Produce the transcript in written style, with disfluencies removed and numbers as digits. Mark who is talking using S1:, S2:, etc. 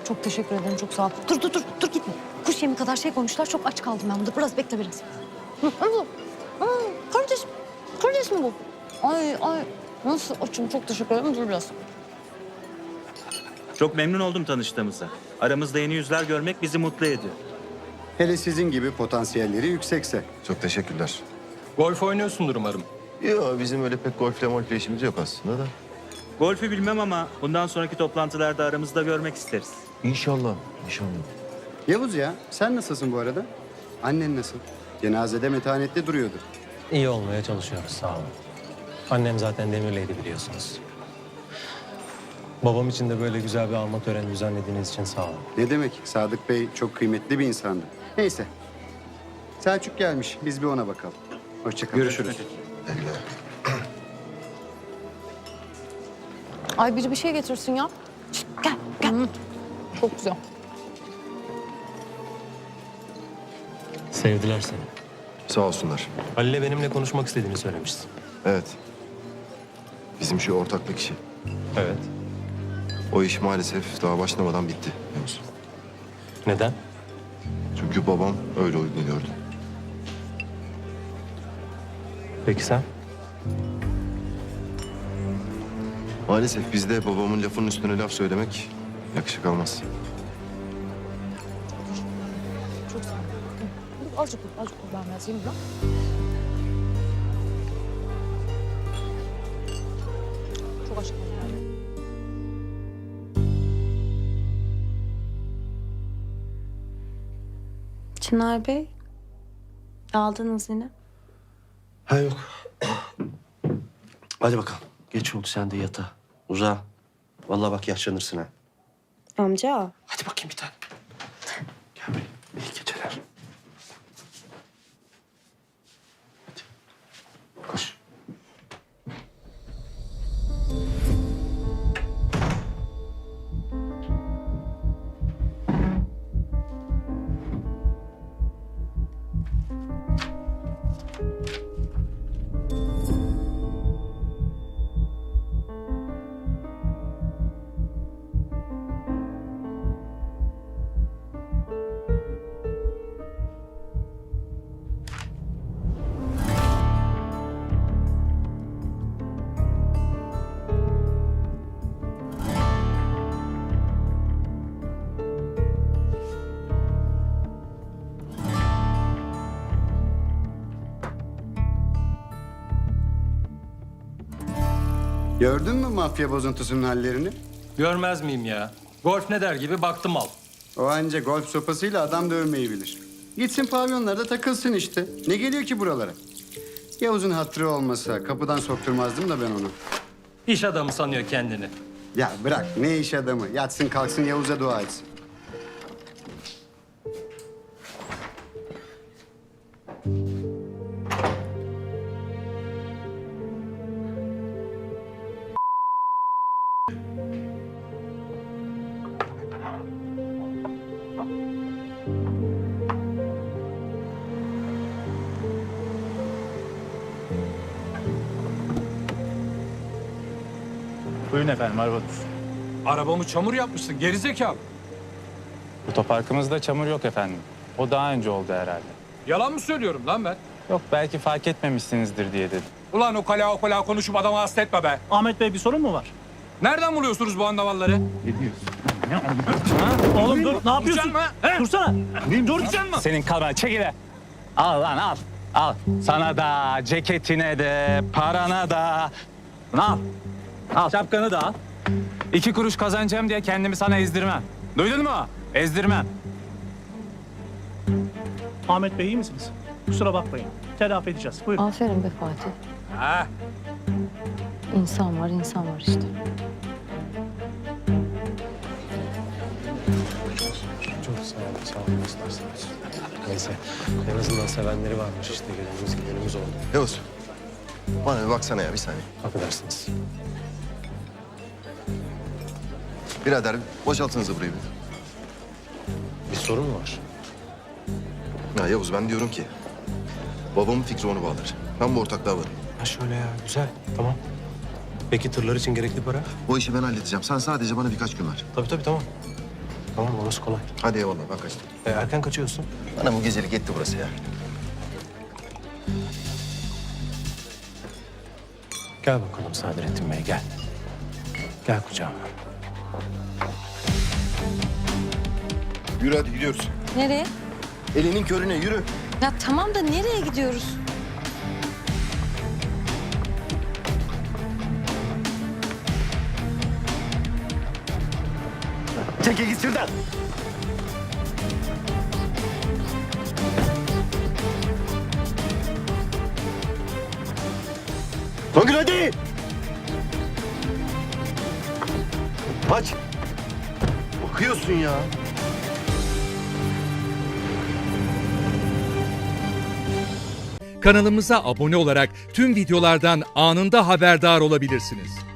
S1: Çok teşekkür ederim, çok sağ ol. Dur gitme. Kuş yemi kadar şey koymuşlar, çok aç kaldım ben burada. Biraz bekle biraz. Karides mi bu? Ay, nasıl açım, çok teşekkür ederim. Dur biraz.
S2: Çok memnun oldum tanıştığımıza. Aramızda yeni yüzler görmek bizi mutlu ediyor.
S3: Hele sizin gibi potansiyelleri yüksekse.
S4: Çok teşekkürler.
S5: Golf oynuyorsundur umarım.
S4: Yok bizim öyle pek golfle molfle işimiz yok aslında da.
S2: Golfü bilmem ama bundan sonraki toplantılarda aramızda görmek isteriz.
S4: İnşallah, inşallah.
S3: Yavuz ya, sen nasılsın bu arada? Annen nasıl? Cenazede metanetli duruyordu.
S6: İyi olmaya çalışıyoruz, sağ olun. Annem zaten demirleydi biliyorsunuz. Babam için de böyle güzel bir alma töreni düzenlediğiniz için sağ olun.
S3: Ne demek? Sadık Bey çok kıymetli bir insandı. Neyse. Selçuk gelmiş. Biz bir ona bakalım. Hoşça kalın.
S2: Görüşürüz.
S1: Ay biri bir şey getirsin ya. Şişt, gel. Çok güzel.
S6: Sevdiler seni.
S4: Sağ olsunlar.
S6: Halil'le benimle konuşmak istediğini söylemiştin.
S4: Evet. Bizim şu ortaklık işi.
S6: Evet.
S4: O iş maalesef daha başlamadan bitti. Biliyor musun?
S6: Neden?
S4: Çünkü babam öyle uygun gördü.
S6: Peki sen?
S4: Maalesef bizde babamın lafının üstüne laf söylemek yakışık almaz.
S1: Çok sağ ol. Dur, azıcık dur ben biraz yiyeyim lan. Çok aç kaldım.
S7: Çınar Bey, aldınız yine.
S8: Ha yok. Hadi bakalım. Geç oldu sen de yatağa. Uza. Vallahi bak yaşlanırsın ha.
S7: Amca.
S8: Hadi bakayım bir tane. Gel buraya. İyi geceler. Hadi. Koş.
S3: Gördün mü mafya bozuntusunun hallerini?
S5: Görmez miyim ya? Golf ne der gibi baktım al.
S3: O anca golf sopasıyla adam dövmeyi bilir. Gitsin pavyonlarda takılsın işte. Ne geliyor ki buralara? Yavuz'un hatırı olmasa kapıdan sokturmazdım da ben onu.
S5: İş adamı sanıyor kendini.
S3: Ya bırak ne iş adamı. Yatsın kalksın Yavuz'a dua etsin.
S9: Buyurun efendim, arabanız.
S5: Arabamı çamur yapmışsın gerizekalı.
S9: Otoparkımızda çamur yok efendim. O daha önce oldu herhalde.
S5: Yalan mı söylüyorum lan ben?
S9: Yok, belki fark etmemişsinizdir diye dedim.
S5: Ulan o kala konuşup adamı hasta etme be.
S9: Ahmet Bey, bir sorun mu var?
S5: Nereden buluyorsunuz bu andavalları?
S9: Ne diyorsun? Oğlum dur, ne yapıyorsun?
S5: Mı? He?
S9: Dursana. Dur.
S5: Duracaksın mı?
S9: Senin kalbine çekile. Al lan al. Al. Sana da, ceketine de, parana da. Al. Al. Şapkanı da al. 2 kuruş kazanacağım diye kendimi sana ezdirmem. Duydun mu? Ezdirmem.
S10: Ahmet Bey iyi misiniz? Kusura bakmayın. Telafi edeceğiz. Buyurun.
S1: Aferin be Fatih.
S5: Ha.
S1: İnsan var işte.
S6: Çok sağ olun isterseniz. Neyse, en azından sevenleri varmış işte. Gelenimiz oldu.
S4: Yavuz. Bana bir baksana ya bir saniye.
S6: Affedersiniz.
S4: Birader boşaltınız burayı bir.
S6: Bir sorun mu var?
S4: Ya Yavuz ben diyorum ki babamın fikri onu bağlar. Ben bu ortaklığa varım.
S6: Ha şöyle ya, güzel. Tamam. Peki tırlar için gerekli para?
S4: O işi ben halledeceğim. Sen sadece bana birkaç gün ver.
S6: Tabii tamam. Tamam orası kolay.
S4: Hadi eyvallah ben kaçtım.
S6: Erken kaçıyorsun.
S4: Bana bu gecelik yetti burası ya.
S6: Gel bakalım Sadrettin Bey gel. Gel kucağıma.
S4: Yürü hadi gidiyoruz.
S1: Nereye?
S4: Elinin körüne yürü.
S1: Ya tamam da nereye gidiyoruz?
S8: Çekil git şuradan. Songül hadi. Aç. Bakıyorsun ya.
S11: Kanalımıza abone olarak tüm videolardan anında haberdar olabilirsiniz.